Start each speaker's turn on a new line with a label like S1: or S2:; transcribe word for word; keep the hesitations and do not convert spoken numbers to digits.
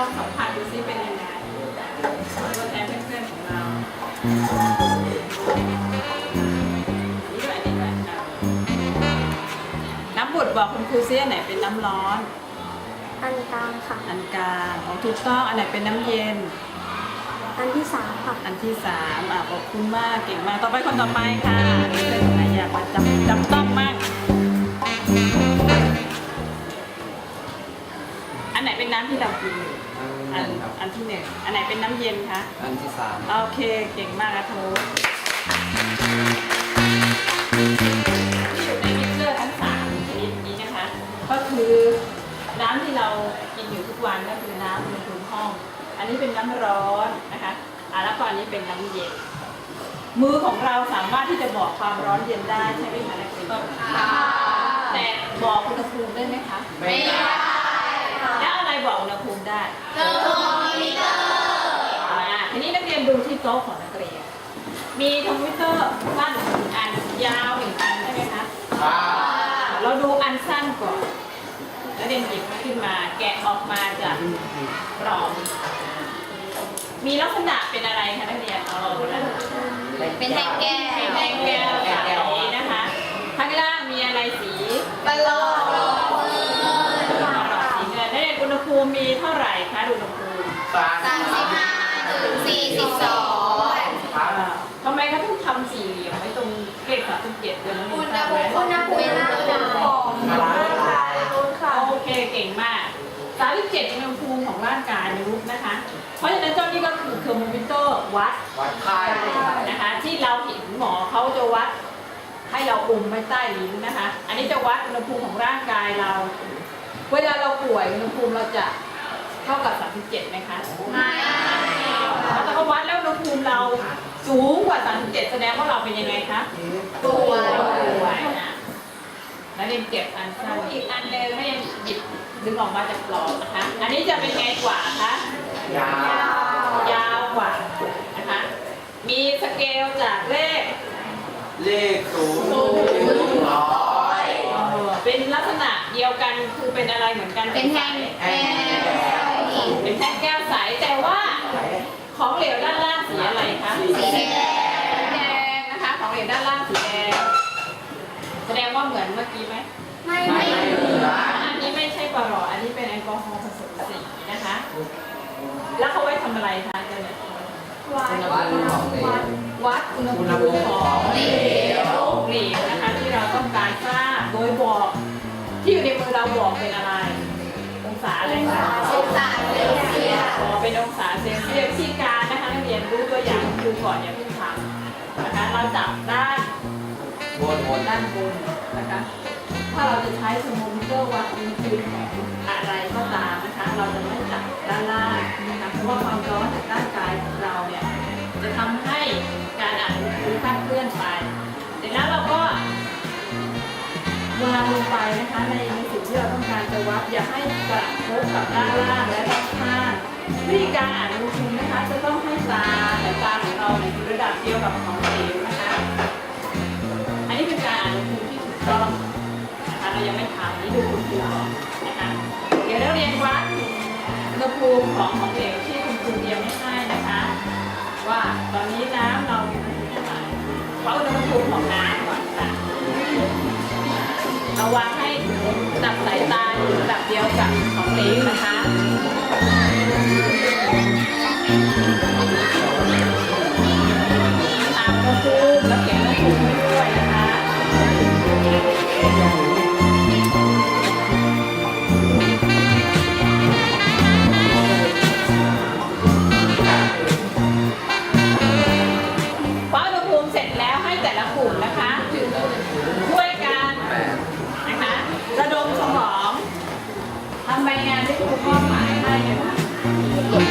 S1: องสัมผัสดูซิเป็นยังไงตัวแทนเพื่อนๆของเรานี่ด้วยนี่ด้วยน้ำบุตรบอกคุณครูซิอันไหนเป็นน้ำร้อน
S2: อันกลางค่ะ
S1: อันกลางของถูกต้องอันไหนเป็นน้ำเย็น
S2: อันที่สามค่ะ
S1: อันที่สามอ่ะขอบคุณมากเก่งมากต่อไปคนต่อไปค่ะนี่เป็นคนไหนอยากมาจำจำต้องมากอันไหนเป็นน้ำที่เรากินอันอันที่หนึ่งอันไหนเป็นน้ำเย็นคะ
S3: อันที่สาม
S1: โอเคเก่งมากนะโทที่อยู่ในมิกเซอร์ทั้งสามชนิดนี้นะคะก็คือน้ำที่เรากินอยู่ทุกวันก็คือน้ำอุณหภูมิห้องอันนี้เป็นน้ำร้อนนะคะอ่าแล้วก็อันนี้เป็นน้ำเย็นมือของเราสามารถที่จะบอกความร้อนเย็นได้ใช่ไหมคะนักเรียนแต่บอกอุณหภูมิได้ไหมคะไม่ได้แล้วอะไรบอกอุณหภูมิได้เทอร์โมมิเตอร์อ่าทีนี้นักเรียนดูที่โต๊ะของนักเรียนมีเทอร์โมมิเตอร์สั้นหนึ่งอันยาวหนึ่งอันใช่ไหมคะเราดูอันสั้นก่อนแล้วเรียนหยิบขึ้นมาแกะออกมาจากกรอบมีลักษณะเป็นอะไรคะนักเรียนเอาละ
S2: เป็นแท่งแก้ว
S1: เป็นแท่งแก้วใสนะคะข้างล่างมีอะไรสี
S2: ประหลอด
S1: สีเงินนักเรียนอุณหภูมิมีเท่าไหร่คะอุณหภูมิ
S2: สามสิบห้าถึงสี่สิบสอง
S1: ทำไมเขาต้องทำสี่เหลี่ยมไว้ตรงเกล็ดสามสิบเจ็ดเดือน
S2: อุณหภูมิอุณหภูมิเวลาของ
S1: โอเคเก่งมากสามสิบเจ็ดอุณหภูมิของร่างกายมนุษย์นะคะเพราะฉะนั้นเจ้านี่ก็คือเทอร์โมมิเตอร์วัด
S3: วัดค่า
S1: นะคะที่เราเห็นหมอเขาจะวัดให้เราอมไว้ใต้ลิ้นนะคะอันนี้จะวัดอุณหภูมิของร่างกายเราเวลาเราป่วยอุณหภูมิเราจะเท่ากับสามสิบเจ็ดไหมคะไม่แล้วถ้าเขาวัดแล้วอุณหภูมิเราสูงกว่าสามสิบเจ็ดแสดงว่าเราเป็นยังไงคะ
S2: ป่วย
S1: ป่วยนะแล้วเรียนเก็บอันสั้นอีกอันหนึ่งให้เรียนหยิบดึงออกมาจากกรอบนะคะอันนี้จะเป็นไงกว่าคะ
S3: ยา
S1: วยาวกว่านะคะมีสเกลจากเลข
S3: เลขศูนย์ถึงร้อย
S1: เป็นลักษณะเดียวกันคือเป็นอะไรเหมือนกัน
S2: เป็นแท่งแก้ว
S1: เป็นแท่งแก้วใสแต่ว่าของเหลวด้านล่างสีอะไรคะ
S2: สีแดง
S1: แดงนะคะของเหลวด้านล่างสีแดงแสดงว่าเหมือนเมื่อกี้ไหม
S2: ไม่ไม่
S1: อันนี้ไม่ใช่ปลออันนี้เป็นแอลกอฮอล์ผสมสีนะคะแล้วเขาไว้ทำอะไรคะเจ้าเนี่ย
S2: วัด
S1: วัดอุณหภูมิของเหลวเหลวนะคะที่เราต้องการทราบโดยบอกที่อยู่ในมือเราบอกเป็นอะไรองศาอะไรคะ
S2: องศาเซลเซียส
S1: เป็นองศาเซลเซียสที่การนะคะนักเรียนรู้ตัวอย่างดูก่อนอย่าเพิ่งทำนะคะเราจับด้าน
S3: บนบน
S1: ด้านบนนะคะถ้าเราจะใช้เทอร์โมมิเตอร์วัดอุณหภูมิของอะไรก็ตามนะคะเราจะไม่จับด้านล่างนะคะเพราะว่าความร้อนจากร่างกายของเราเนี่ยจะทำให้การอ่านอุณหภูมิคลาดเคลื่อนไปเสร็จแล้วเราก็วางลงไปนะคะในสิ่งที่เราต้องการจะวัดอย่าให้กระทบกับด้านล่างและด้านข้างวิธีการอ่านอุณหภูมินะคะจะต้องให้ตาแต่ตาของเราในระดับเดียวกับของเหลวนะคะอันนี้เป็นการอ่านอุณหภูมิที่ถูกต้องนะคะเรายังไม่ทำนี่ดูอุณหภูมินะคะเดี๋ยวเราเรียนวัดอุณหภูมิของของเหลวที่คุณครูเตรียมไม่ให้นะคะว่าตอนนี้น้ำเรามีอุณหภูมิเท่าไหร่วัดอุณหภูมิของน้ำก่อนค่ะเอาวางให้จับสายตาอยู่ระดับเดียวกับของเหลวนะคะตามอุณหภูมิแล้วเขียนอุณหภูมิไว้ด้วยนะคะพออุณหภูมิเสร็จแล้วให้แต่ละกลุ่มนะคะช่วยกันนะคะระดมสมองทำใบงานที่ครูมอบหมายให้นะคะ